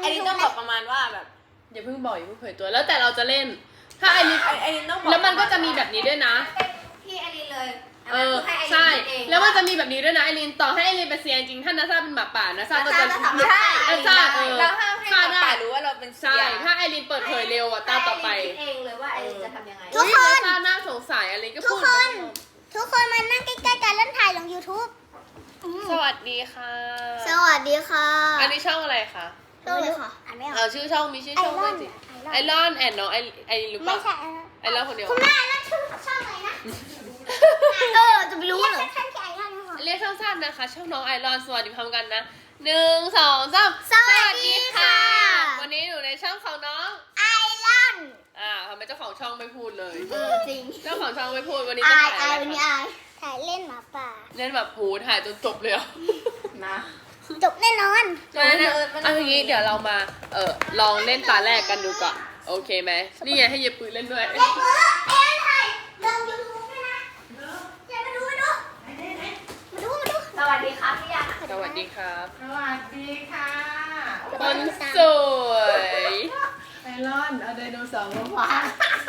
นนี้ต้องบอกประมาณว่าแบบอย่าเพิ่งบอกอย่าเพิ่งเผยตัวแล้วแต่เราจะเล่น ถ้าไอรินไอ้นี่ต้องบอกแล้วมันก็จะมีแบบนี้ด้วยนะพี่ไอรีนเลยใช่ แล้วมันจะมีแบบนี้ด้วยนะไอรินต่อให้ไอรินเป็นเซียนจริงถ้านาซาเป็นหมาป่านาซาก็จะใช่เราห้ามให้ฆ่าเราได้ป่ารู้ว่าเราเป็นเซีใช่ยถ้าไอรินเปิดเผยเร็วอ่ะตาต่อไปคิดเองเลยว่าไอรีนจะทำยังไงทุกคนนาซาน่าสงสัยอะไรก็พูดทุกคนมานั่งใกล้ๆกันแล้วถ่ายลง YouTube สวัสดีค่ะสวัสดีค่ะอันนี้ช่องอะไรคะช่องเลยค่ะอ่านไม่ออกเอาชื่อช่องมีชื่อช่องด้วยสิไอรอนแอนน้องไอรินหรือเปไม่ล่าใช่ไอรอนคนเดียวคุณแม่แล้วชื่อช่องอะไรนะจะไปรู้เหรอท่านที่ไอรอนนะคะเรียกสั้นๆนะคะ ช่องน้องไอรอนสวัสดีพร้อมกันนะ1 2 3 สวัสดีค่ะวันนี้อยู่ในช่องของน้องไอรอนทำไมเจ้าของช่องไม่พูดเลยจริงเจ้าของช่องไม่พูดวันนี้ไอจะถ่ายอะไรวันนี้คะถ่ายเล่นหมาป่าเล่นแบบโหถ่ายจนจบเลยอ่ะนะจบแน่นอนเอาอย่างนี้เดี๋ยวเรามาลองเล่นตาแรกกันดูก่อนโอเคไหมนี่ไงให้เย็บปืนเล่นด้วยเอ็ถ่ายลง YouTube ด้วยนะอย่ามาดูมาดูสวัสดีครับพี่ยาสวัสดีครับสวัสดีค่ะคนสวยไอรอนเอาไดโนเสาร์มาวาง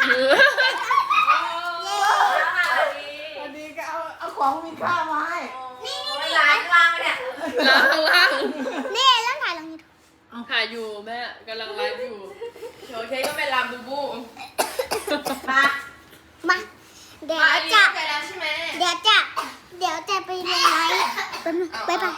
วันนี้ก็เอาของมีค่ามาให้ร้านว่างเนี่ยล้างข้างล่างนี่แล้วถ่ายลง YouTube ถ่ายอยู่แม่กำลังไลฟ์อยู่โอเคก็เป็นลามบูบูมาเดี๋ยวจะไปแล้วใช่ไหมเดี๋ยวจะไปลงไลฟ์ไป